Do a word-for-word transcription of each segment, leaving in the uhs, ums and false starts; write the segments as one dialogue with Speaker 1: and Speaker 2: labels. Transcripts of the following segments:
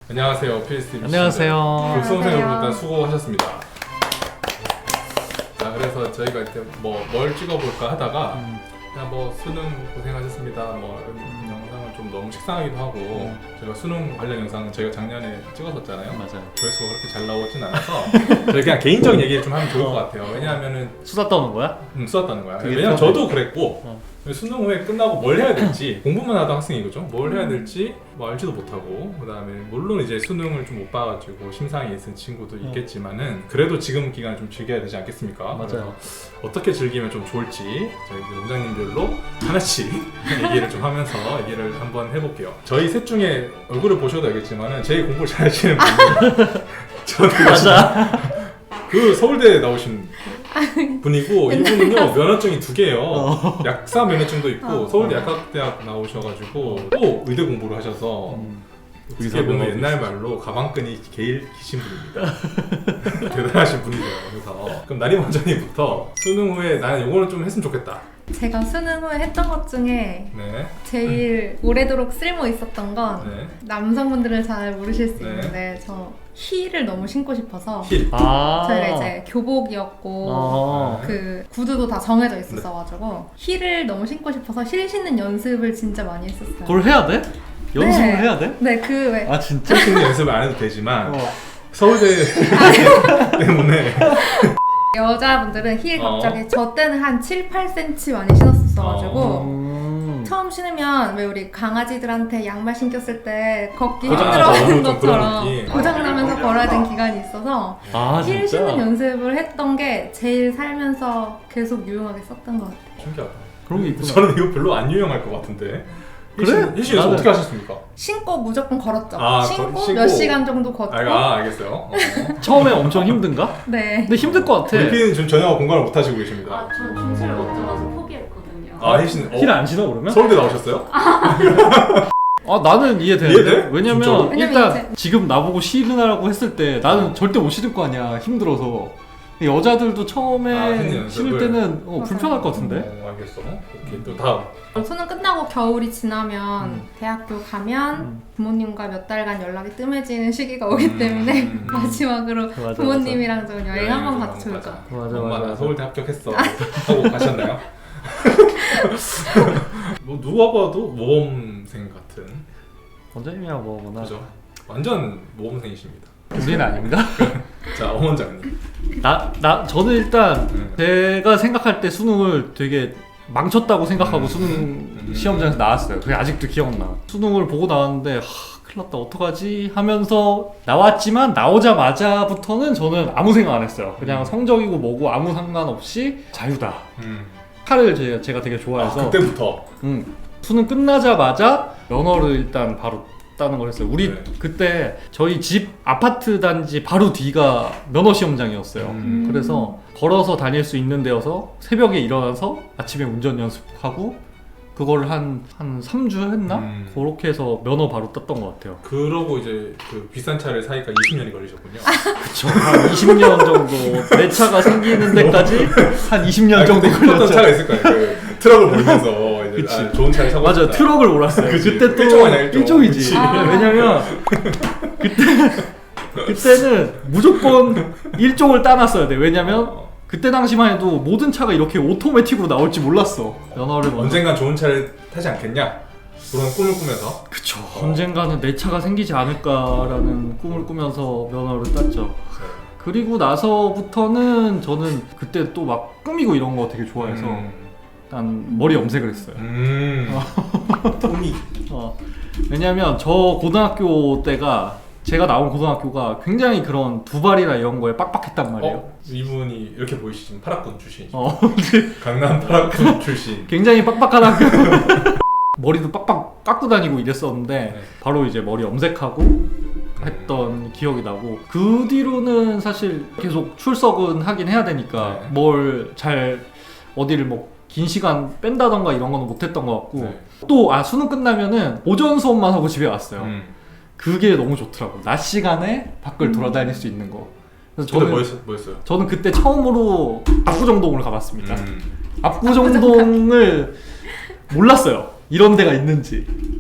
Speaker 1: 안녕하세요, 피에스티비
Speaker 2: 안녕하세요.
Speaker 1: 수험생 여러분 일단 수고하셨습니다. 자, 그래서 저희가 이제 뭐 뭘 찍어볼까 하다가
Speaker 2: 음.
Speaker 1: 그냥 뭐 수능 고생하셨습니다. 뭐 이런 영상을 좀 너무 식상하기도 하고
Speaker 2: 음.
Speaker 1: 저희가 수능 관련 영상은 저희가 작년에 찍었었잖아요.
Speaker 2: 맞아요.
Speaker 1: 조회수가 그렇게 잘 나오진 않아서 저희 그냥 개인적인 얘기를 좀 하면 좋을 것 같아요. 왜냐하면은
Speaker 2: 수다 떠는 거야?
Speaker 1: 음, 수다다는 거야.
Speaker 2: 그게
Speaker 1: 왜냐면
Speaker 2: 편해.
Speaker 1: 저도 그랬고
Speaker 2: 어.
Speaker 1: 수능 후에 끝나고 뭘 해야 될지 공부만 하던 학생이거죠. 뭘 해야 될지 뭐 알지도 못하고 그 다음에 물론 이제 수능을 좀 못 봐가지고 심상에 있은 친구도
Speaker 2: 어.
Speaker 1: 있겠지만은 그래도 지금 기간 좀 즐겨야 되지 않겠습니까?
Speaker 2: 맞아요.
Speaker 1: 그래서 어떻게 즐기면 좀 좋을지 저희 이제 원장님들로 하나씩 얘기를 좀 하면서 얘기를 한번 해볼게요. 저희 셋 중에 얼굴을 보셔도 알겠지만은 제일 공부를 잘하시는 분이 저는
Speaker 2: 맞아.
Speaker 1: 그 서울대 나오신 분이고 이분은요 면허증이 두 개예요.
Speaker 2: 어.
Speaker 1: 약사 면허증도 있고
Speaker 3: 어.
Speaker 1: 서울대 약학대학 나오셔가지고 또 의대 공부를 하셔서
Speaker 2: 음.
Speaker 1: 어떻게 보면 옛날 말로 가방끈이 제일 기신 분입니다. 대단하신 분이세요. 그래서 그럼 나림 원장님부터 수능 후에 나는 요거는 좀 했으면 좋겠다.
Speaker 3: 제가 수능 후에 했던 것 중에
Speaker 1: 네.
Speaker 3: 제일 오래도록 쓸모 있었던 건
Speaker 1: 네.
Speaker 3: 남성분들은 잘 모르실 수
Speaker 1: 네.
Speaker 3: 있는데 저 힐을 너무 신고 싶어서
Speaker 1: 힐.
Speaker 2: 아.
Speaker 3: 저희가 이제 교복이었고
Speaker 2: 어.
Speaker 3: 그 구두도 다 정해져 있었어가지고 힐을 너무 신고 싶어서 힐 신는 연습을 진짜 많이 했었어요.
Speaker 2: 그걸 해야 돼? 연습을
Speaker 3: 네.
Speaker 2: 해야 돼?
Speaker 3: 네, 그 왜
Speaker 2: 아 진짜?
Speaker 1: 힐 신는 연습을 안 해도 되지만
Speaker 2: 어.
Speaker 1: 서울대 때문에
Speaker 3: 여자분들은 힐
Speaker 1: 어.
Speaker 3: 갑자기 저 때는 한 칠, 팔 센티미터 많이 신었었어가지고
Speaker 2: 음.
Speaker 3: 처음 신으면 왜 우리 강아지들한테 양말 신겼을 때 걷기
Speaker 1: 고장나서
Speaker 3: 힘들어하는
Speaker 1: 좀 그런
Speaker 3: 것처럼
Speaker 1: 느낌.
Speaker 3: 고장나면서 걸어야 되는 기간이 있어서
Speaker 2: 아
Speaker 3: 힐
Speaker 2: 진짜?
Speaker 3: 신는 연습을 했던 게 제일 살면서 계속 유용하게 썼던 것 같아요.
Speaker 1: 신기하다.
Speaker 2: 그런 게 있구나.
Speaker 1: 저는 이거 별로 안 유용할 것 같은데.
Speaker 2: 그래?
Speaker 1: 힐신 연습
Speaker 2: 나는-
Speaker 1: 어떻게 하셨습니까?
Speaker 3: 신고 무조건 걸었죠.
Speaker 1: 아,
Speaker 3: 신고,
Speaker 1: 거- 신고.
Speaker 3: 몇 시간 정도 걷고
Speaker 1: 아, 아 알겠어요. 어.
Speaker 2: 처음에 엄청 힘든가?
Speaker 3: 네.
Speaker 2: 근데 힘들 것 같아.
Speaker 1: 우리 피디는 지금 전혀 공감을 못 하시고 계십니다.
Speaker 4: 아, 전 중세를 못 잡아서 포기했거든요.
Speaker 1: 아, 힐신. 어,
Speaker 2: 힐 안 신어 그러면?
Speaker 1: 서울대 나오셨어요?
Speaker 2: 아 나는 이해되는데?
Speaker 1: 이해돼?
Speaker 2: 왜냐면
Speaker 1: 진짜로?
Speaker 3: 왜냐면
Speaker 2: 일단
Speaker 3: 이제-
Speaker 2: 지금 나보고 신으라고 했을 때 나는 절대 못 신을 거 아니야 힘들어서. 여자들도 처음에
Speaker 1: 아, 신는 연습을.
Speaker 2: 신을 때는 어,
Speaker 3: 맞아요.
Speaker 2: 불편할 것 같은데?
Speaker 1: 어, 알겠어. 오케이, 또 다음.
Speaker 3: 수능 끝나고 겨울이 지나면
Speaker 2: 음.
Speaker 3: 대학교 가면
Speaker 2: 음.
Speaker 3: 부모님과 몇 달간 연락이 뜸해지는 시기가 오기
Speaker 1: 음.
Speaker 3: 때문에
Speaker 1: 음.
Speaker 3: 마지막으로
Speaker 2: 맞아,
Speaker 3: 부모님이랑 좀 여행 한번
Speaker 1: 좀
Speaker 3: 가도 좋을 것
Speaker 1: 가자.
Speaker 3: 같아요.
Speaker 2: 맞아,
Speaker 1: 엄마
Speaker 2: 맞아,
Speaker 1: 나
Speaker 2: 맞아.
Speaker 1: 서울대 합격했어 하고 가셨나요? 뭐 누가 봐도 모범생 같은
Speaker 2: 원장님이야 뭐구나.
Speaker 1: 그죠? 완전 모범생이십니다.
Speaker 2: 우리는 아닌가?
Speaker 1: 자, 엄 원장님.
Speaker 2: 나, 나, 저는 일단
Speaker 1: 음.
Speaker 2: 제가 생각할 때 수능을 되게 망쳤다고 생각하고
Speaker 1: 음.
Speaker 2: 수능
Speaker 1: 음.
Speaker 2: 시험장에서 나왔어요. 그게 아직도 기억나. 수능을 보고 나왔는데 하, 큰일 났다 어떡하지 하면서 나왔지만 나오자마자부터는 저는 아무 생각 안 했어요. 그냥
Speaker 1: 음.
Speaker 2: 성적이고 뭐고 아무 상관없이 자유다.
Speaker 1: 음.
Speaker 2: 칼을 제가, 제가 되게
Speaker 1: 아,
Speaker 2: 좋아해서
Speaker 1: 그때부터.
Speaker 2: 음, 수능 끝나자마자 면허를 일단 바로 따는 걸 했어요. 우리
Speaker 1: 네.
Speaker 2: 그때 저희 집 아파트 단지 바로 뒤가 면허 시험장이었어요.
Speaker 1: 음.
Speaker 2: 그래서 걸어서 다닐 수 있는 데여서 새벽에 일어나서 아침에 운전 연습하고 그거를 한 한 삼 주 했나?
Speaker 1: 음.
Speaker 2: 그렇게 해서 면허 바로 땄던 것 같아요.
Speaker 1: 그러고 이제 그 비싼 차를 사니까 이십 년이 걸리셨군요.
Speaker 2: 그쵸. 한 이십 년 정도 내 차가 생기는 데까지 한 이십 년
Speaker 1: 아니,
Speaker 2: 정도
Speaker 1: 근데 급했던
Speaker 2: 걸렸죠.
Speaker 1: 차가 있을 거예요. 그 트럭을 몰면서 이제
Speaker 2: 그치.
Speaker 1: 아, 좋은 차를 사고
Speaker 2: 맞아,
Speaker 1: 싶다.
Speaker 2: 트럭을 몰았어요.
Speaker 1: 그치.
Speaker 2: 그때 또
Speaker 1: 일종 아니야, 일종.
Speaker 2: 일종이지.
Speaker 1: 그치.
Speaker 3: 아.
Speaker 2: 왜냐면 그때 그때는 무조건 일종을 따놨어야 돼. 왜냐면
Speaker 1: 어,
Speaker 2: 그때 당시만 해도 모든 차가 이렇게 오토매틱으로 나올지 몰랐어. 면허를 먼저.
Speaker 1: 언젠간 좋은 차를 타지 않겠냐? 그런 꿈을 꾸면서.
Speaker 2: 그쵸.
Speaker 1: 어.
Speaker 2: 언젠가는 내 차가 생기지 않을까라는 꿈을 꾸면서 면허를 땄죠. 그리고 나서부터는 저는 그때 또 막 꾸미고 이런 거 되게 좋아해서
Speaker 1: 음.
Speaker 2: 일단 머리 염색을 했어요.
Speaker 1: 음. 꿈이.
Speaker 2: 어, 왜냐면 저 고등학교 때가 제가 나온 고등학교가 굉장히 그런 두발이나 이런 거에 빡빡했단 말이에요.
Speaker 1: 어? 이분이 이렇게 보이시지만 파락군 출신.
Speaker 2: 어,
Speaker 1: 강남 파락군 출신.
Speaker 2: 굉장히 빡빡한 학교. 머리도 빡빡 깎고 다니고 이랬었는데
Speaker 1: 네.
Speaker 2: 바로 이제 머리 염색하고 했던 기억이 나고 그 뒤로는 사실 계속 출석은 하긴 해야 되니까
Speaker 1: 네.
Speaker 2: 뭘 잘 어디를 뭐 긴 시간 뺀다던가 이런 거는 못했던 것 같고
Speaker 1: 네.
Speaker 2: 또 아 수능 끝나면은 오전 수업만 하고 집에 왔어요.
Speaker 1: 음.
Speaker 2: 그게 너무 좋더라고. 낮 시간에 밖을 돌아다닐 수 있는 거. 그래서
Speaker 1: 그때
Speaker 2: 저는
Speaker 1: 뭐였어, 뭐였어요?
Speaker 2: 저는 그때 처음으로 압구정동을 가봤습니다.
Speaker 1: 음.
Speaker 2: 압구정동을 몰랐어요. 이런 데가 있는지.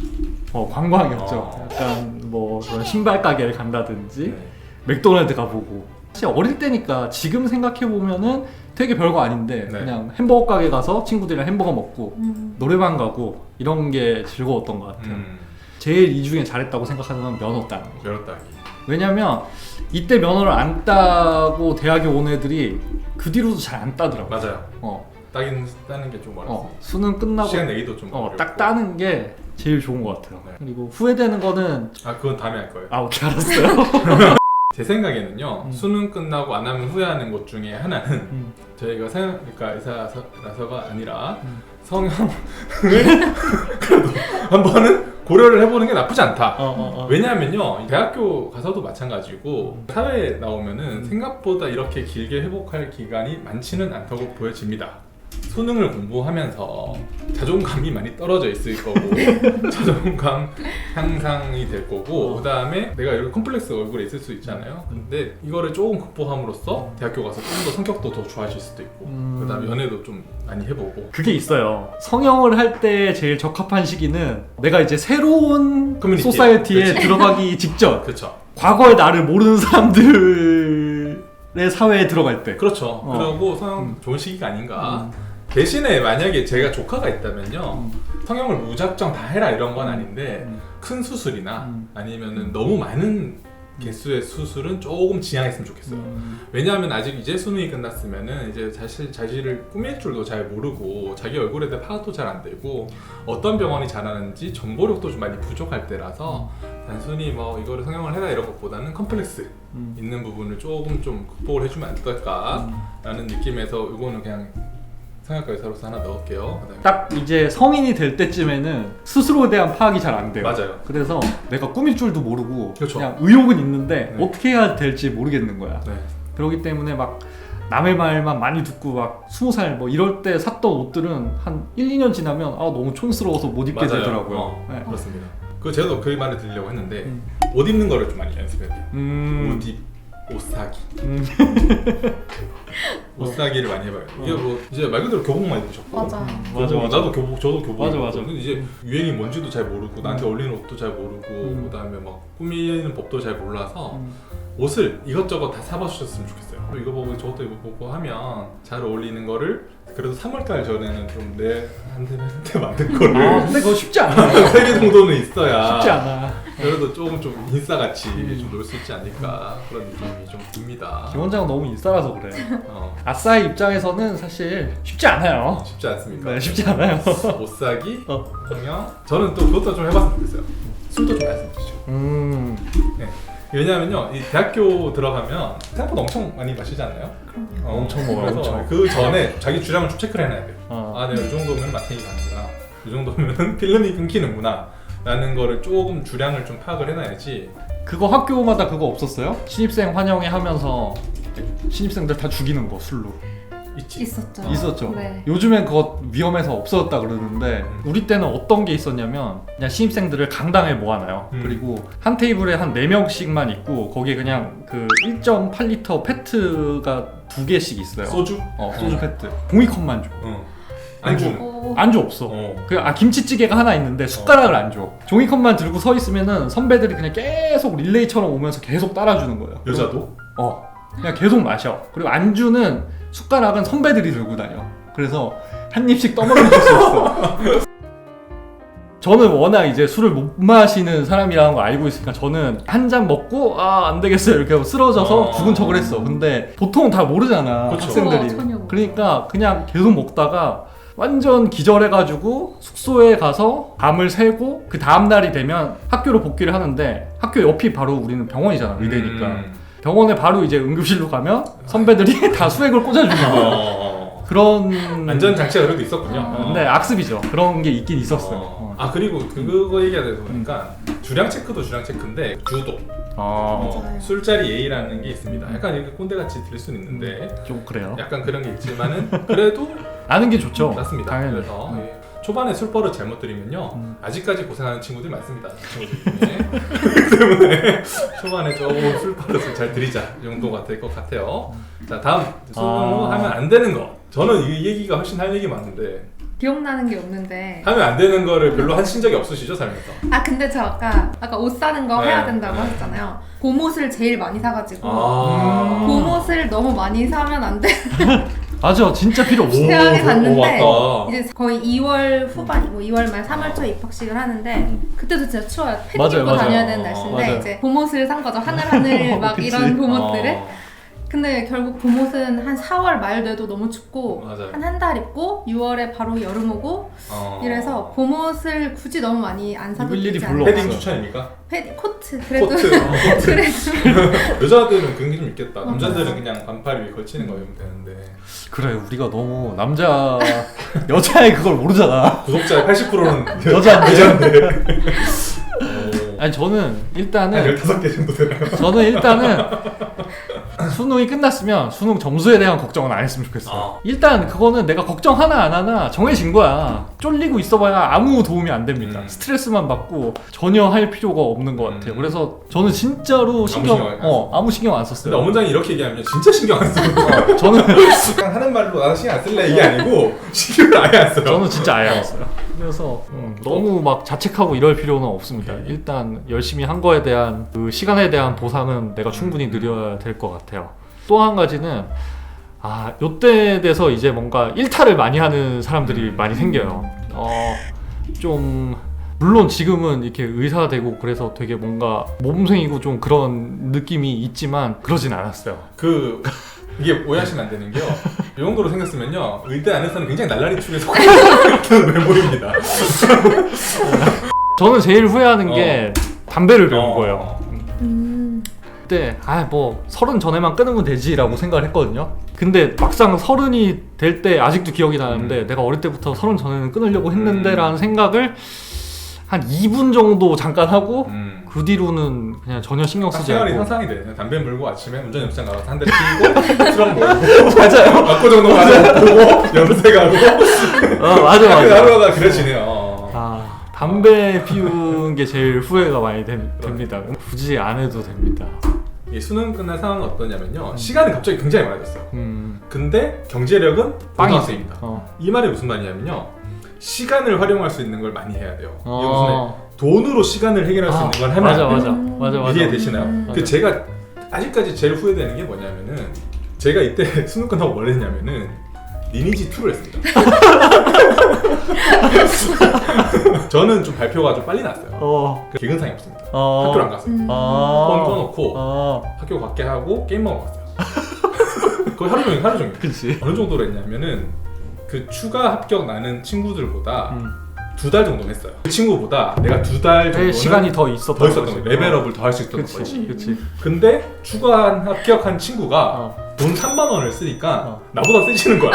Speaker 2: 어, 관광이었죠.
Speaker 1: 어.
Speaker 2: 약간 뭐 그런 신발 가게를 간다든지
Speaker 1: 네.
Speaker 2: 맥도날드 가보고. 사실 어릴 때니까 지금 생각해 보면은 되게 별거 아닌데
Speaker 1: 네.
Speaker 2: 그냥 햄버거 가게 가서 친구들이랑 햄버거 먹고
Speaker 3: 음.
Speaker 2: 노래방 가고 이런 게 즐거웠던 것 같아요.
Speaker 1: 음,
Speaker 2: 제일 이 중에 잘했다고 생각하는 건 면허 따는 거.
Speaker 1: 면허 따기.
Speaker 2: 왜냐면 이때 면허를 안 따고 대학에 온 애들이 그 뒤로도 잘 안 따더라고.
Speaker 1: 맞아요.
Speaker 2: 어,
Speaker 1: 따긴 따는 게 좀 어렵습니다.
Speaker 2: 어, 수능 끝나고
Speaker 1: 시간 내기도 좀
Speaker 2: 어,
Speaker 1: 어렵고.
Speaker 2: 딱 따는 게 제일 좋은 것 같아요.
Speaker 1: 네.
Speaker 2: 그리고 후회되는 거는
Speaker 1: 아 그건 다음에 할 거예요.
Speaker 2: 아 오케이 알았어요.
Speaker 1: 제 생각에는
Speaker 2: 음.
Speaker 1: 수능 끝나고 안 하면 후회하는 것 중에 하나는
Speaker 2: 음.
Speaker 1: 저희가 생 그러니까 의사라서가 아니라
Speaker 2: 음.
Speaker 1: 성형을 그래도 한 번은 고려를 해보는 게 나쁘지 않다.
Speaker 2: 어, 어, 어.
Speaker 1: 왜냐하면요 대학교 가서도 마찬가지고 사회에 나오면은
Speaker 2: 음.
Speaker 1: 생각보다 이렇게 길게 회복할 기간이 많지는 않다고 보여집니다. 수능을 공부하면서 자존감이 많이 떨어져 있을 거고 자존감 향상이 될 거고
Speaker 2: 어.
Speaker 1: 그 다음에 내가 이런 컴플렉스 얼굴에 있을 수 있잖아요. 근데 이거를 조금 극복함으로써 대학교 가서 좀 더 성격도 더 좋아질 수도 있고
Speaker 2: 음.
Speaker 1: 그 다음에 연애도 좀 많이 해보고
Speaker 2: 그게 있어요. 성형을 할 때 제일 적합한 시기는 내가 이제 새로운
Speaker 1: 커뮤니티.
Speaker 2: 소사이어티에
Speaker 1: 그치.
Speaker 2: 들어가기 직전
Speaker 1: 그렇죠.
Speaker 2: 과거의 나를 모르는 사람들의 사회에 들어갈 때.
Speaker 1: 그렇죠.
Speaker 2: 어.
Speaker 1: 그리고 성형
Speaker 2: 음.
Speaker 1: 좋은 시기가 아닌가.
Speaker 2: 음.
Speaker 1: 대신에 만약에 제가 조카가 있다면요
Speaker 2: 음.
Speaker 1: 성형을 무작정 다 해라 이런 건 아닌데
Speaker 2: 음.
Speaker 1: 큰 수술이나
Speaker 2: 음.
Speaker 1: 아니면은 너무 많은 개수의 수술은 조금 지양했으면 좋겠어요.
Speaker 2: 음.
Speaker 1: 왜냐하면 아직 이제 수능이 끝났으면은 이제 자신 자신을 꾸밀 줄도 잘 모르고 자기 얼굴에 대해 파악도 잘 안 되고 어떤 병원이 잘하는지 정보력도 좀 많이 부족할 때라서 단순히 뭐 이거를 성형을 해라 이런 것보다는 컴플렉스
Speaker 2: 음.
Speaker 1: 있는 부분을 조금 좀 극복을 해주면 안 될까라는 느낌에서 이거는 그냥 성형외과 의사로서 하나 넣을게요. 그다음에
Speaker 2: 딱 이제 성인이 될 때쯤에는 스스로에 대한 파악이 잘 안 돼요.
Speaker 1: 맞아요.
Speaker 2: 그래서 내가 꾸밀 줄도 모르고
Speaker 1: 그렇죠.
Speaker 2: 그냥 의욕은 있는데
Speaker 1: 네.
Speaker 2: 어떻게 해야 될지 모르겠는 거야.
Speaker 1: 네.
Speaker 2: 그렇기 때문에 막 남의 말만 많이 듣고 막 스무 살 뭐 이럴 때 샀던 옷들은 한 일, 이 년 지나면 아 너무 촌스러워서 못 입게
Speaker 1: 맞아요.
Speaker 2: 되더라고요.
Speaker 1: 어,
Speaker 2: 네.
Speaker 1: 그렇습니다. 그 저도 그 말을 드리려고 했는데
Speaker 2: 음.
Speaker 1: 옷 입는 거를 좀 많이 연습해야 돼요.
Speaker 2: 음.
Speaker 1: 옷 입, 옷 사기.
Speaker 2: 음.
Speaker 1: 옷 사기를 많이 해봐요. 이게
Speaker 2: 어.
Speaker 1: 뭐 이제 말 그대로 교복만 입으셨고
Speaker 3: 맞아.
Speaker 2: 맞아, 맞아.
Speaker 1: 나도 교복, 저도 교복
Speaker 2: 맞아,
Speaker 1: 입었거든요.
Speaker 2: 맞아.
Speaker 1: 근데 이제 유행이 뭔지도 잘 모르고 나한테 어울리는 옷도 잘 모르고
Speaker 2: 음.
Speaker 1: 그다음에 막 꾸미는 법도 잘 몰라서
Speaker 2: 음.
Speaker 1: 옷을 이것저것 다 사봐주셨으면 좋겠어요. 이거 보고 저것도 이거 보고 하면 잘 어울리는 거를 그래도 삼월달 전에는 좀 내한테 만든 거를
Speaker 2: 아 근데 그거 쉽지 않아.
Speaker 1: 세 개 정도는 있어야
Speaker 2: 쉽지 않아.
Speaker 1: 그래도 조금 좀 인싸같이
Speaker 2: 음.
Speaker 1: 좀 놀 수 있지 않을까 그런 느낌이 좀 듭니다.
Speaker 2: 김원장은 너무 인싸라서 그래.
Speaker 1: 어,
Speaker 2: 아싸의 입장에서는 사실 쉽지 않아요.
Speaker 1: 쉽지 않습니까?
Speaker 2: 네, 쉽지 않아요.
Speaker 1: 옷 사기,
Speaker 2: 어.
Speaker 1: 성형. 저는 또 그것도 좀 해봤으면 좋겠어요. 술도 좀 했으면 좋죠.
Speaker 2: 음.
Speaker 1: 네. 왜냐하면요, 이 대학교 들어가면 생각보다 엄청 많이 마시지 않나요?
Speaker 3: 그럼요.
Speaker 1: 어,
Speaker 2: 엄청 먹어요,
Speaker 1: 그래서
Speaker 2: 엄청.
Speaker 1: 그 전에 자기 주량을 좀 체크를 해놔야 돼요.
Speaker 2: 어.
Speaker 1: 아, 내가 이 정도면 마탱이 가는구나. 이 정도면 필름이 끊기는구나. 라는 거를 조금 주량을 좀 파악을 해놔야지.
Speaker 2: 그거 학교마다 그거 없었어요? 신입생 환영회 하면서 신입생들 다 죽이는 거 술로.
Speaker 1: 있지.
Speaker 3: 있었죠.
Speaker 2: 있었죠.
Speaker 3: 네.
Speaker 2: 요즘엔 그거 위험해서 없어졌다 그러는데
Speaker 1: 음.
Speaker 2: 우리 때는 어떤 게 있었냐면 그냥 신입생들을 강당에 모아놔요.
Speaker 1: 음.
Speaker 2: 그리고 한 테이블에 한 네 명씩만 있고 거기에 그냥 그 일 점 팔 리터 페트가 두 개씩 있어요.
Speaker 1: 소주?
Speaker 2: 어, 소주 페트. 종이컵만 줘.
Speaker 1: 어. 안주.
Speaker 3: 오.
Speaker 2: 안주 없어.
Speaker 1: 어.
Speaker 2: 그, 아, 김치찌개가 하나 있는데 숟가락을 안 줘. 종이컵만 들고 서 있으면은 선배들이 그냥 계속 릴레이처럼 오면서 계속 따라주는 거예요.
Speaker 1: 여자도?
Speaker 2: 어. 그냥 계속 마셔. 그리고 안주는 숟가락은 선배들이 들고 다녀. 그래서 한 입씩 떠먹여 줄 수 있어. 저는 워낙 이제 술을 못 마시는 사람이라는 거 알고 있으니까 저는 한 잔 먹고 아, 안 되겠어요. 이렇게 하고 쓰러져서
Speaker 1: 어.
Speaker 2: 죽은 척을 했어. 근데 보통은 다 모르잖아.
Speaker 1: 그쵸.
Speaker 2: 학생들이.
Speaker 3: 어, 전혀 모르.
Speaker 2: 그러니까 그냥 계속 먹다가 완전 기절해가지고 숙소에 가서 밤을 새고 그 다음날이 되면 학교로 복귀를 하는데 학교 옆이 바로 우리는 병원이잖아. 의대니까.
Speaker 1: 음.
Speaker 2: 병원에 바로 이제 응급실로 가면 선배들이 다 수액을 꽂아주는 거야.
Speaker 1: 어.
Speaker 2: 그런
Speaker 1: 안전 장치가 그래도 있었군요.
Speaker 3: 어.
Speaker 2: 근데 악습이죠. 그런 게 있긴 있었어요.
Speaker 1: 어.
Speaker 2: 어.
Speaker 1: 아 그리고 그거 얘기하다 보니까 주량 체크도 주량 체크인데 주도
Speaker 2: 어,
Speaker 3: 맞아요.
Speaker 1: 술자리 예의라는 게 있습니다. 약간 이렇게 꼰대같이 들릴 수는 있는데
Speaker 2: 좀 그래요.
Speaker 1: 약간 그런 게 있지만은 그래도
Speaker 2: 아는 게 좋죠.
Speaker 1: 맞습니다.
Speaker 2: 당연히.
Speaker 1: 그래서 예. 초반에 술버릇 잘못 들이면요
Speaker 2: 음.
Speaker 1: 아직까지 고생하는 친구들이 많습니다. 친구들 중에 그렇기 때문에 초반에 조금 술버릇을 잘 들이자 이 정도가 될 것 같아요. 자 다음 술
Speaker 2: 아.
Speaker 1: 하면 안 되는 거. 저는 이 얘기가 훨씬 할 얘기 많은데
Speaker 3: 기억나는 게 없는데.
Speaker 1: 하면 안 되는 거를 별로 하신 적이 없으시죠, 살면서?
Speaker 3: 아 근데 저 아까 아까 옷 사는 거
Speaker 1: 네,
Speaker 3: 해야 된다고
Speaker 1: 네.
Speaker 3: 하셨잖아요. 봄옷을 제일 많이 사가지고
Speaker 1: 아.
Speaker 3: 봄옷을 너무 많이 사면 안 돼.
Speaker 2: 맞아, 진짜 필요 없어.
Speaker 1: 오,
Speaker 3: 대학에
Speaker 1: 오,
Speaker 3: 갔는데
Speaker 1: 맞다.
Speaker 3: 이제 거의 이월 후반이고 이월 말 삼월 초에 입학식을 하는데 그때도 진짜 추워요. 패딩
Speaker 2: 맞아요,
Speaker 3: 입고
Speaker 2: 맞아요.
Speaker 3: 다녀야 되는 날씨인데
Speaker 2: 맞아요.
Speaker 3: 이제 봄옷을 산 거죠. 하늘하늘 막
Speaker 2: 그치.
Speaker 3: 이런 봄옷들을.
Speaker 1: 어.
Speaker 3: 근데 결국 봄옷은 한 사월 말 돼도 너무 춥고
Speaker 1: 맞아요.
Speaker 3: 한 한 달 입고 유월에 바로 여름 오고
Speaker 1: 어.
Speaker 3: 이래서 봄옷을 굳이 너무 많이 안 사도
Speaker 2: 입을 일이
Speaker 3: 되지
Speaker 2: 별로
Speaker 3: 않나.
Speaker 1: 패딩
Speaker 2: 없어요.
Speaker 1: 추천입니까?
Speaker 3: 패딩 코트 그래도
Speaker 1: 코트. 어, 코트.
Speaker 3: 그래도
Speaker 1: 여자들은 그런 게 좀 있겠다.
Speaker 3: 어,
Speaker 1: 남자들은
Speaker 3: 맞아.
Speaker 1: 그냥 반팔 위에 걸치는 거 입으면 되는데
Speaker 2: 그래, 우리가 너무 남자 여자의 그걸 모르잖아.
Speaker 1: 구독자의 팔십 퍼센트는
Speaker 2: 여자인데.
Speaker 1: 여자인데.
Speaker 2: 아니 저는
Speaker 1: 한
Speaker 2: 일단은
Speaker 1: 열다섯 개 정도 되나요?
Speaker 2: 저는 일단은 수능이 끝났으면 수능 점수에 대한 걱정은 안 했으면 좋겠어요.
Speaker 1: 아.
Speaker 2: 일단 그거는 내가 걱정 하나 안 하나 정해진 거야. 쫄리고 있어봐야 아무 도움이 안 됩니다.
Speaker 1: 음.
Speaker 2: 스트레스만 받고 전혀 할 필요가 없는 것 같아요.
Speaker 1: 음.
Speaker 2: 그래서 저는 진짜로 신경
Speaker 1: 신경 안
Speaker 2: 어 아무 신경 안
Speaker 1: 근데
Speaker 2: 썼어요.
Speaker 1: 어문장이 이렇게 얘기하면 진짜 신경 안 써요.
Speaker 2: 어, 저는
Speaker 1: 그냥 하는 말로 나도 신경 안 쓸래 이게 아니고 신경을 아예 안 써요.
Speaker 2: 저는 진짜 아예 안 써요. 그래서 음, 너무 막 자책하고 이럴 필요는 없습니다.
Speaker 1: 오케이.
Speaker 2: 일단 열심히 한 거에 대한 그 시간에 대한 보상은 내가 충분히 누려야 될 것 같아요. 또 한 가지는 아 요때 돼서 이제 뭔가 일탈을 많이 하는 사람들이 많이 생겨요. 어, 좀 물론 지금은 이렇게 의사가 되고 그래서 되게 뭔가 몸생이고 좀 그런 느낌이 있지만 그러진 않았어요.
Speaker 1: 그 이게 오해하시면 안 되는 게요. 이 정도로 생겼으면요 의대 안에서는 굉장히 날라리 축에 속하는 외모입니다.
Speaker 2: 저는 제일 후회하는
Speaker 1: 어.
Speaker 2: 게 담배를 배운
Speaker 1: 어.
Speaker 2: 거예요.
Speaker 3: 음,
Speaker 2: 그때 아 뭐 서른 전에만 끊으면 되지라고 생각을 했거든요. 근데 막상 서른이 될 때 아직도 기억이 나는데
Speaker 1: 음.
Speaker 2: 내가 어릴 때부터 서른 전에는 끊으려고 했는데라는
Speaker 1: 음.
Speaker 2: 생각을 한 이 분 정도 잠깐 하고
Speaker 1: 음.
Speaker 2: 그 뒤로는 그냥 전혀 신경
Speaker 1: 딱
Speaker 2: 쓰지
Speaker 1: 생활이
Speaker 2: 않고
Speaker 1: 상상이 돼. 그냥 담배 물고 아침에 운전 연습장 가서 한 대 피고 수랑 먹고
Speaker 2: 맞아요.
Speaker 1: 압구정동 가서 보고 염색하고
Speaker 2: 어, 맞아 맞아.
Speaker 1: 하루하루가 그려지네요. 어.
Speaker 2: 아 담배 피운 게 제일 후회가 많이 됨- 됩니다. 굳이 안 해도 됩니다.
Speaker 1: 이 수능 끝난 상황은 어떠냐면요 시간이 갑자기 굉장히 많아졌어요.
Speaker 2: 음
Speaker 1: 근데 경제력은
Speaker 2: 빵이지.
Speaker 1: 고등학생입니다.
Speaker 2: 어.
Speaker 1: 이 말이 무슨 말이냐면요 시간을 활용할 수 있는 걸 많이 해야 돼요. 이게 무슨 말
Speaker 2: 어.
Speaker 1: 돈으로 시간을 해결할 수
Speaker 2: 아,
Speaker 1: 있는 걸 하면
Speaker 2: 맞아
Speaker 1: 안 돼요.
Speaker 2: 맞아
Speaker 3: 음.
Speaker 2: 맞아 맞아.
Speaker 1: 이해되시나요?
Speaker 3: 음.
Speaker 1: 그
Speaker 2: 맞아.
Speaker 1: 제가 아직까지 제일 후회되는 게 뭐냐면은 제가 이때 수능 끝나고 뭘 했냐면은 리니지 투를 했습니다. 저는 좀 발표가 좀 빨리 났어요.
Speaker 2: 어.
Speaker 1: 그 개근상이 없습니다.
Speaker 2: 어.
Speaker 1: 학교를 안 갔어요.
Speaker 3: 음.
Speaker 2: 아.
Speaker 1: 폰 꺼놓고
Speaker 2: 아.
Speaker 1: 학교 갖게 하고 게임 먹으러 갔어요. 거의 하루 종일 하루 종일.
Speaker 2: 그치.
Speaker 1: 어느 정도로 했냐면은 그 추가 합격 나는 친구들보다
Speaker 2: 음.
Speaker 1: 두 달 정도 했어요. 그 친구보다 내가 두 달
Speaker 2: 내
Speaker 1: 정도는
Speaker 2: 시간이 더 있었던
Speaker 1: 더 있었던
Speaker 2: 거지.
Speaker 1: 거예요. 레벨업을 더 할 수 있었던
Speaker 2: 그치,
Speaker 1: 거지.
Speaker 2: 그치.
Speaker 1: 근데 추가한 합격한 친구가
Speaker 2: 어.
Speaker 1: 돈 삼만 원을 쓰니까
Speaker 2: 어.
Speaker 1: 나보다 세지는 거야.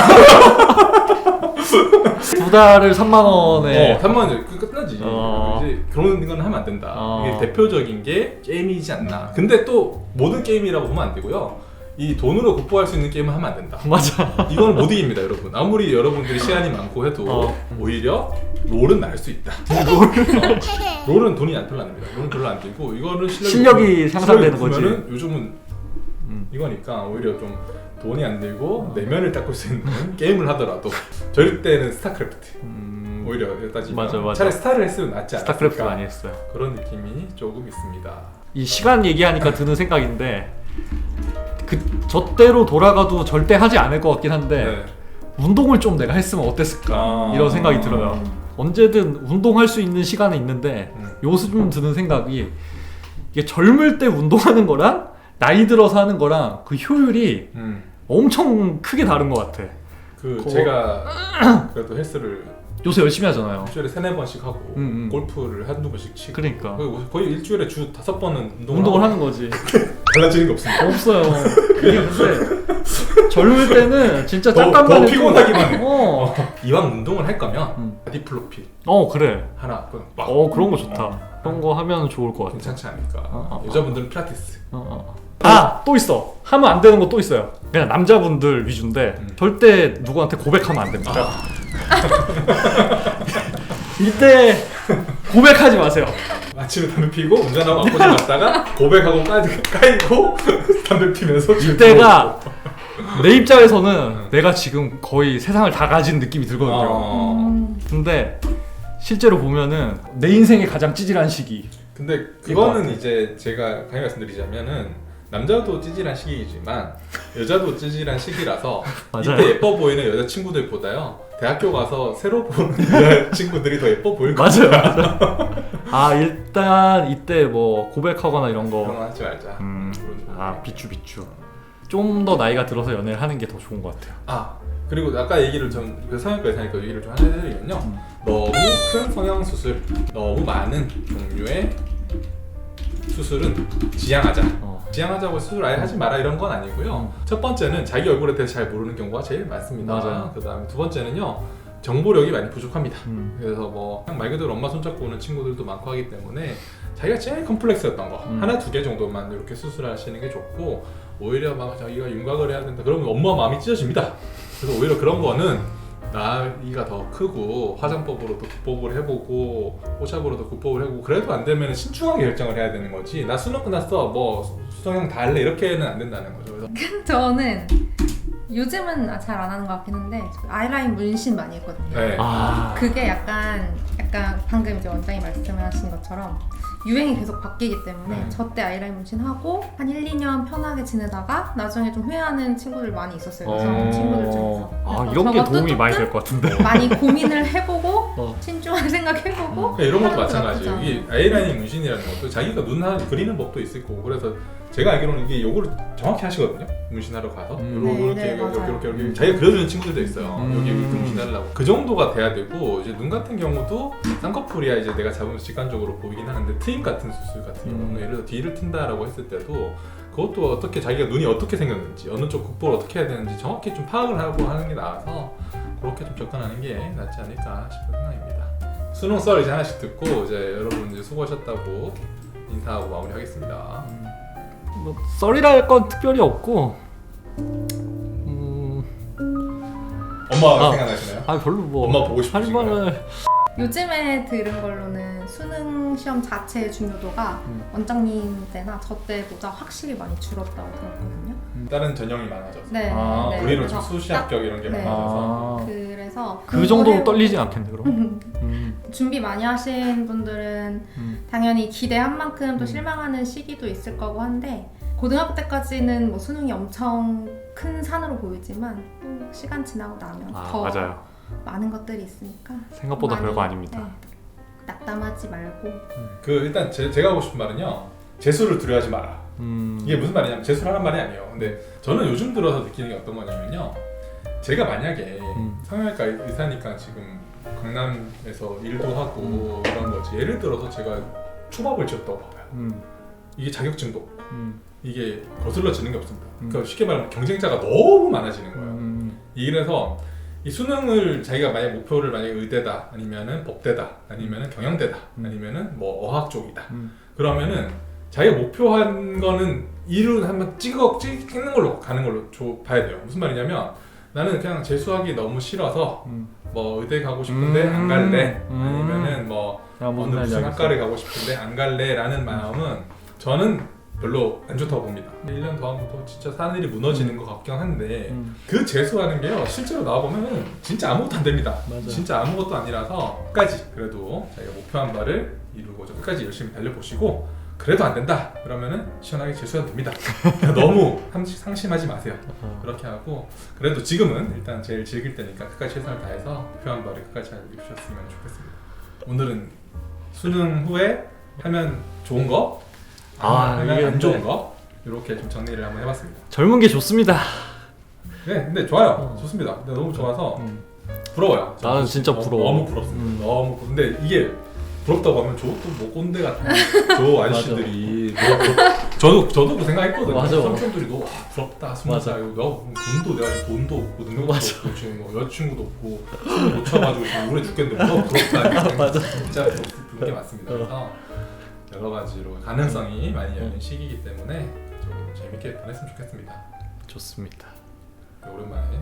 Speaker 2: 두 달을 삼만 원에.
Speaker 1: 어, 삼만 원 그 끝나지.
Speaker 2: 어.
Speaker 1: 이제 그런 건 하면 안 된다.
Speaker 2: 어.
Speaker 1: 이게 대표적인 게 게임이지 않나. 근데 또 모든 게임이라고 보면 안 되고요. 이 돈으로 극복할 수 있는 게임은 하면 안 된다.
Speaker 2: 맞아.
Speaker 1: 이건 못 이깁니다, 여러분. 아무리 여러분들이 시간이 많고 해도
Speaker 2: 어.
Speaker 1: 오히려 롤은 나을 수 있다. 어. 롤은 돈이 안 별로 안 듭니다. 롤은 별로 안 들고 이거는 실력이,
Speaker 2: 실력이 상상되는 거지.
Speaker 1: 거지. 요즘은
Speaker 2: 음.
Speaker 1: 이거니까 오히려 좀 돈이 안 들고 내면을 닦을 수 있는 게임을 하더라도 저희 때는 스타크래프트.
Speaker 2: 음.
Speaker 1: 오히려 따지면
Speaker 2: 맞아, 맞아.
Speaker 1: 차라리 스타를 했으면 낫지 않았을까.
Speaker 2: 스타크래프트 많이 했어요.
Speaker 1: 그런 느낌이 조금 있습니다.
Speaker 2: 이 시간 얘기하니까 드는 생각인데 그 저때로 돌아가도 절대 하지 않을 것 같긴 한데
Speaker 1: 네.
Speaker 2: 운동을 좀 내가 했으면 어땠을까
Speaker 1: 아.
Speaker 2: 이런 생각이 들어요. 언제든 운동할 수 있는 시간은 있는데
Speaker 1: 음.
Speaker 2: 요즘 드는 생각이 이게 젊을 때 운동하는 거랑 나이 들어서 하는 거랑 그 효율이
Speaker 1: 음.
Speaker 2: 엄청 크게 다른 것 같아.
Speaker 1: 그
Speaker 2: 그거-
Speaker 1: 제가 그래도 헬스를
Speaker 2: 요새 열심히 하잖아요.
Speaker 1: 일주일에 세네 번씩 하고
Speaker 2: 음, 음.
Speaker 1: 골프를 한두 번씩 치고
Speaker 2: 그러니까
Speaker 1: 거의, 거의 일주일에 주 다섯 번은 운동을,
Speaker 2: 운동을
Speaker 1: 하고
Speaker 2: 하는 거지.
Speaker 1: 달라지는 게 없습니다.
Speaker 2: 없어요. 이게 근데 젊을 때는 진짜
Speaker 1: 더,
Speaker 2: 잠깐만
Speaker 1: 더
Speaker 2: 해도-
Speaker 1: 피곤하기만 해.
Speaker 2: 어.
Speaker 1: 이왕 운동을 할 거면
Speaker 2: 음.
Speaker 1: 바디플로피
Speaker 2: 어 그래.
Speaker 1: 하나 그냥 막
Speaker 2: 어 그런 거 좋다.
Speaker 1: 어.
Speaker 2: 그런 거 하면 좋을 것 같아.
Speaker 1: 괜찮지 않을까.
Speaker 2: 어, 어,
Speaker 1: 여자분들은 필라테스.
Speaker 2: 어, 어. 아! 또 있어. 하면 안 되는 거 또 있어요. 그냥 남자분들 위주인데
Speaker 1: 음.
Speaker 2: 절대 누구한테 고백하면 안 됩니다.
Speaker 1: 아.
Speaker 2: 이때 고백하지 마세요.
Speaker 1: 아침에 담배 피고 운전하고 압구정 갔다가 고백하고 까, 까이고 담배 피면서
Speaker 2: 이때가 내 입장에서는
Speaker 1: 음.
Speaker 2: 내가 지금 거의 세상을 다 가진 느낌이 들거든요.
Speaker 1: 어.
Speaker 3: 음.
Speaker 2: 근데 실제로 보면은 내 인생의 가장 찌질한 시기.
Speaker 1: 근데
Speaker 2: 이거
Speaker 1: 그거는 이제 제가 강히 말씀드리자면은 남자도 찌질한 시기이지만 여자도 찌질한 시기라서
Speaker 2: 맞아요.
Speaker 1: 이때 예뻐 보이는 여자 친구들보다요 대학교 가서 새로 보는 여자 친구들이 더 예뻐 보일 거예요.
Speaker 2: 맞아요, 맞아요. 아 일단 이때 뭐 고백하거나 이런
Speaker 1: 그런
Speaker 2: 거.
Speaker 1: 거 하지 말자.
Speaker 2: 음.
Speaker 1: 그런
Speaker 2: 아
Speaker 1: 거.
Speaker 2: 비추 비추. 좀 더 나이가 들어서 연애를 하는 게 더 좋은 것 같아요.
Speaker 1: 아 그리고 아까 얘기를 좀 그 성형과 의사니까 얘기를 좀 하나 해드리면요.
Speaker 2: 음.
Speaker 1: 너무 큰 성형 수술, 너무 많은 종류의 수술은 지양하자.
Speaker 2: 어.
Speaker 1: 지양하자고 수술 아예 하지 마라 이런 건 아니고요. 첫 번째는 자기 얼굴에 대해서 잘 모르는 경우가 제일 많습니다.
Speaker 2: 맞아요.
Speaker 1: 그 다음에 두 번째는요. 정보력이 많이 부족합니다.
Speaker 2: 음.
Speaker 1: 그래서 뭐 그냥 말 그대로 엄마 손잡고 오는 친구들도 많고 하기 때문에 자기가 제일 컴플렉스였던 거
Speaker 2: 음.
Speaker 1: 하나 두 개 정도만 이렇게 수술하시는 게 좋고 오히려 막 자기가 윤곽을 해야 된다 그러면 엄마 마음이 찢어집니다. 그래서 오히려 그런 거는 나이가 더 크고 화장법으로도 국법을 해보고 호샵으로도 국법을 해보고 그래도 안 되면 신중하게 결정을 해야 되는 거지 나 수능 끝났어 뭐 수성형 다 할래 이렇게는 안 된다는 거죠. 그래서
Speaker 3: 저는 요즘은 잘 안 하는 것 같긴 한데 아이라인 문신 많이 했거든요.
Speaker 1: 네.
Speaker 2: 아.
Speaker 3: 그게 약간 약간 방금 이제 원장이 말씀하신 것처럼 유행이 계속 바뀌기 때문에
Speaker 1: 네.
Speaker 3: 저 때 아이라인 문신하고 한 일, 이 년 편하게 지내다가 나중에 좀 후회하는 친구들 많이 있었어요. 여성 친구들 중에서.
Speaker 2: 아
Speaker 3: 그래서
Speaker 2: 이런 게
Speaker 3: 저것도
Speaker 2: 도움이 많이
Speaker 3: 조금
Speaker 2: 될 것 같은데.
Speaker 3: 많이 고민을 해보고
Speaker 2: 어.
Speaker 3: 신중하게 생각해보고
Speaker 1: 그러니까 이런 것도
Speaker 3: 하는 것도
Speaker 1: 마찬가지예요.
Speaker 3: 나쁘지
Speaker 1: 이게 아이라인 문신이라는 것도 자기가 눈 하나 그리는 법도 있을 거고 그래서 제가 알기로는 이게 요거를 정확히 하시거든요. 문신하러 가서
Speaker 2: 음.
Speaker 1: 요렇게
Speaker 3: 네,
Speaker 1: 이렇게
Speaker 3: 네,
Speaker 1: 이렇게
Speaker 3: 맞아요.
Speaker 1: 이렇게 이렇게 자기가 그려주는 친구들도 있어요.
Speaker 2: 음.
Speaker 1: 여기 이렇게 문신하려고 그 정도가 돼야 되고 이제 눈 같은 경우도 쌍꺼풀이야 이제 내가 잡으면 직관적으로 보이긴 하는데 트임 같은 수술 같은
Speaker 2: 음.
Speaker 1: 경우는 예를 들어 뒤를 튼다라고 했을 때도 그것도 어떻게 자기가 눈이 어떻게 생겼는지 어느 쪽 국보를 어떻게 해야 되는지 정확히 좀 파악을 하고 하는 게 나아서 그렇게 좀 접근하는 게 낫지 않을까 싶은 생각입니다. 수능 썰 이제 하나씩 듣고 이제 여러분 이제 수고하셨다고 인사하고 마무리하겠습니다.
Speaker 2: 뭐 썰이라 할 건 특별히 없고. 음.
Speaker 1: 엄마가
Speaker 2: 아.
Speaker 1: 생각나시나요?
Speaker 2: 아 별로 뭐.
Speaker 1: 엄마 보고
Speaker 2: 할
Speaker 1: 싶으신가요?
Speaker 2: 말을.
Speaker 3: 요즘에 들은 걸로는 수능 시험 자체의 중요도가
Speaker 2: 음.
Speaker 3: 원장님 때나 저 때보다 확실히 많이 줄었다고 들었거든요.
Speaker 1: 다른 전형이 많아져서
Speaker 3: 네,
Speaker 2: 아,
Speaker 3: 네,
Speaker 1: 우리로
Speaker 3: 그래서
Speaker 1: 좀 수시 합격 이런 게
Speaker 3: 네.
Speaker 1: 많아져서
Speaker 2: 아.
Speaker 3: 그래서
Speaker 2: 그 정도로
Speaker 3: 공부해-
Speaker 2: 떨리진 않겠네 그럼. 음.
Speaker 3: 준비 많이 하신 분들은
Speaker 2: 음.
Speaker 3: 당연히 기대한 만큼 또
Speaker 2: 음.
Speaker 3: 실망하는 시기도 있을 거고 한데 고등학교 때까지는 뭐 수능이 엄청 큰 산으로 보이지만 또 시간 지나고 나면
Speaker 2: 아
Speaker 3: 더
Speaker 2: 맞아요.
Speaker 3: 많은 것들이 있으니까
Speaker 2: 생각보다
Speaker 3: 많이,
Speaker 2: 별거 아닙니다.
Speaker 3: 네, 낙담하지 말고
Speaker 1: 그 일단 제, 제가 하고 싶은 말은요 재수를 두려워하지 마라.
Speaker 2: 음.
Speaker 1: 이게 무슨 말이냐면 재수를 하란 말이 아니에요. 근데 저는 요즘 들어서 느끼는 게 어떤 거냐면요 제가 만약에
Speaker 2: 음.
Speaker 1: 성형외과 의사니까 지금 강남에서 일도 하고 이런 거지 예를 들어서 제가 초밥을 지었다고 봐봐요.
Speaker 2: 음.
Speaker 1: 이게 자격증도 없고
Speaker 2: 음.
Speaker 1: 이게 거슬러지는 게 없습니다.
Speaker 2: 음.
Speaker 1: 그러니까 쉽게 말하면 경쟁자가 너무 많아지는 거예요.
Speaker 2: 음.
Speaker 1: 이래서 이 수능을 자기가 만약 목표를 만약에 의대다 아니면은 법대다 아니면은 경영대다
Speaker 2: 음.
Speaker 1: 아니면은 뭐 어학 쪽이다
Speaker 2: 음.
Speaker 1: 그러면은 자기가 목표한 거는 이룬 한번 찍어 찍는 걸로 가는 걸로 줘, 봐야 돼요. 무슨 말이냐면 나는 그냥 재수하기 너무 싫어서
Speaker 2: 음.
Speaker 1: 뭐 의대 가고 싶은데
Speaker 2: 음.
Speaker 1: 안 갈래
Speaker 2: 음.
Speaker 1: 아니면은 뭐
Speaker 2: 야, 무슨
Speaker 1: 어느
Speaker 2: 말인지
Speaker 1: 무슨
Speaker 2: 알겠어.
Speaker 1: 학과를 가고 싶은데 안 갈래라는 마음은 저는 별로 안 좋다고 봅니다. 일 년 더 하면 또 진짜 하늘이 무너지는 것 같긴 한데
Speaker 2: 음.
Speaker 1: 그 재수하는 게요 실제로 나와보면 진짜 아무것도 안 됩니다.
Speaker 2: 맞아.
Speaker 1: 진짜 아무것도 아니라서 끝까지 그래도 자기가 목표한 바를 이루고자 끝까지 열심히 달려보시고 그래도 안 된다 그러면은 시원하게 재수하면 됩니다. 너무 상심- 상심하지 마세요.
Speaker 2: 어.
Speaker 1: 그렇게 하고 그래도 지금은 일단 제일 즐길 때니까 끝까지 최선을 다해서 목표한 바를 끝까지 잘 이루셨으면 좋겠습니다. 오늘은 수능 후에 하면 좋은 거
Speaker 2: 아,
Speaker 1: 하면
Speaker 2: 이게
Speaker 1: 안 좋은
Speaker 2: 근데-
Speaker 1: 거 이렇게 좀 정리를 한번 해봤습니다.
Speaker 2: 젊은 게 좋습니다.
Speaker 1: 네, 근데 좋아요.
Speaker 2: 어.
Speaker 1: 좋습니다. 근데 너무 좋아서
Speaker 2: 음.
Speaker 1: 부러워요.
Speaker 2: 나는
Speaker 1: 저-
Speaker 2: 진짜
Speaker 1: 너무-
Speaker 2: 부러워.
Speaker 1: 너무 부럽습니다.
Speaker 2: 음.
Speaker 1: 너무 부러- 근데 이게 부럽다고 하면 저또뭐 꼰대 같은 저 아저씨들이 너무 부럽- 저도 저도 그 생각했거든요.
Speaker 2: 맞아.
Speaker 1: 삼촌들이 너무 와, 부럽다 스무
Speaker 2: 맞아.
Speaker 1: 살 너 돈도 내가 지금 돈도 없고 능력도
Speaker 2: 맞아.
Speaker 1: 없고 지금 뭐 여자친구도 없고 술을 못 쳐가지고 지금 우울해 죽겠는데 뭐 부럽다 이렇게
Speaker 2: 맞아.
Speaker 1: 진짜 부럽- 부른 게 맞습니다.
Speaker 2: 어.
Speaker 1: 그래서 여러 가지로 가능성이 많이 열린 시기이기 때문에 좀 재밌게 보냈으면 좋겠습니다.
Speaker 2: 좋습니다.
Speaker 1: 오랜만에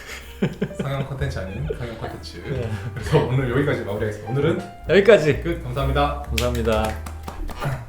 Speaker 1: 성형 컨텐츠 아닌 성형 컨텐츠.
Speaker 2: 네.
Speaker 1: 그래서 오늘 여기까지 마무리하겠습니다. 오늘은
Speaker 2: 여기까지.
Speaker 1: 끝. 감사합니다.
Speaker 2: 감사합니다.